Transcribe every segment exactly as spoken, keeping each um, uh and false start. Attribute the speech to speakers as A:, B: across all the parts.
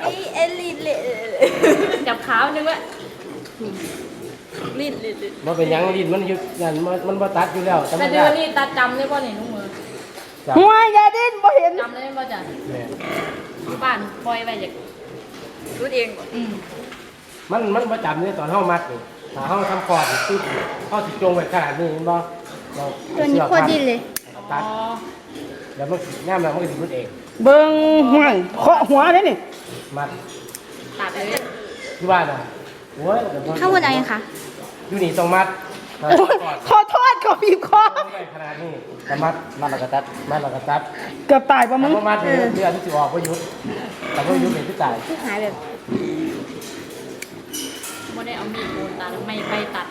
A: เอลิเละจับขาวนึงว่าลิ้นลิ้นลิ้น
B: มันเป็นยังลิ้นมันอยู่นั่นมันมันบ่ตัดอยู่แล้วธรรม
A: แต่เดื
B: ดา
A: อนนี้ตาจำได้ป่ะเนี่ยลุงมือ
B: จับ
C: หัวยาดิ้นบ่เห็น
A: จำได้ป่ะจ้ะ
B: แม่
A: ที่บ้านปล่อยไปจากรู้เองอืม
B: มันมันบ่จำนี่ตอนเฮามัดนี่ถ้าเฮาทำคอร์ดนี่ปึ๊บเฮาสิจงไว้ขนาดนี้เห็นบ่เรา
D: ตัวนี้โคตรดิ้นเลย
A: อ๋
B: ตัด
A: อ
B: แล้วมันย่ามแล้วมันก็สิรุดเอง
C: เบิ่งห่วยเคาะหัวได้นี่
B: มัด
A: ตัดเลย
B: ที่บ้านน่ะโอ้ยแต่บ่
D: ข้างบนเอายังคะ
B: อยู่นี่ต้องมัดถ้า
C: โอ้ย
B: คอร์ด
C: ขอโทษขอบีบคอ
B: จงไว้ขนาดนี้ก็มัดมัดแล้วก็ตัดมัดแล้วก็ตัด
C: เกือบตายป่ะมึ
B: ถ้าง บ่มัดนี่เดือนที่สิออกบ่หยุดแต่บ่หยุดนี่คือตาย
D: ที่หายแบบ
A: ไม่ได้เอามีดโกนตัดไม่ไปตัด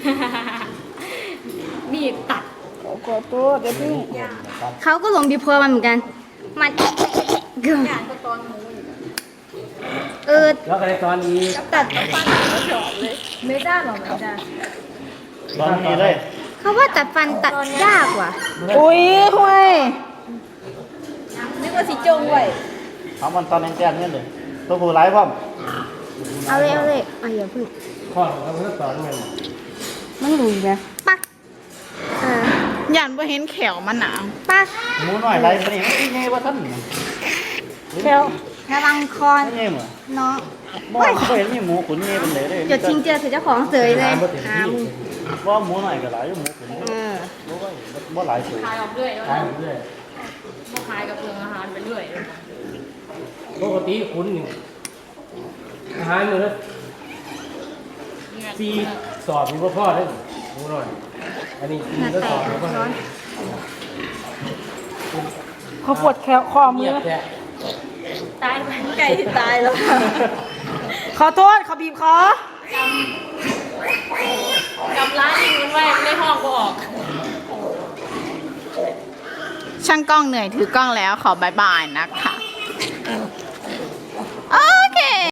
A: มีดตัด
C: ขอโทษเดี๋ยวพี่
B: ตัด
D: เขาก็ลงบีบคอมันเหมือนกัน มันเกือบ
A: อย่างก็ตอนหมูอยู่
D: เออ
B: แล้วก็ในตอนนี้
D: ตัด
A: ไม่ได้หรอไม่ได้
B: ตอนนี้เลย
D: เขาว่าตัดฟันตัดยากว่ะ
C: อุ้ยห่วย
A: นึกว่าสีจงไว้
E: ทำมันตอนแจ้งเนี่ยเลยตัวผู้ร้ายพร้อม
D: เอาเลยเอาเลยเอาอย่าพึ่ง
B: ข้อของเราเพิ่งสอนมัน
C: มันหลุยไหม
D: ปักเออ
C: ยันบ่เห็นแขวมันหนา
D: ปัก
E: หมูน้อยไรมันนี่มันที่ไงวะท่าน
C: แขว
D: ระวังคอน
E: ไม่ไงเหมือน
D: น้อง
E: บ่เคยเห็นมีหมูขุนเงี้ยเป็นเลยเลย
D: เดี๋ยวชิงเจอถือเจ้าของเสยเลย
B: บ่เต็ม
D: หา
B: ที่
D: มึง
E: ว่าหมูน้อยก็หลายหมูขุน
C: เออ
E: รู้ว่าบ่หลายตัว
A: ขายออกเรื่อยแล้ว
B: ขายเรื่อย
A: พวกขายกับเพื่อนอาหารไปเรื่อย
B: ปกติคุณนี่อาหารมื้อละสี่สอบนี่บ่พอเด้อหมูน้อยอันนี้สี่
D: หน้า
B: ก็
D: แต
B: สอบ
D: ก
B: แล้วก็
D: ร้อน
C: เขาปวดแขวคอมื
B: เงีย
C: อบ
B: แท้
A: ตายไปไก่ที่ตายแล้ว
C: ขอโทษเขาบีบคอก
A: ำร้านยิงมันไว้ในห้องก็ออก
C: ช่างกล้องเหนื่อยถือกล้องแล้วขอบายบายนะคะโอเค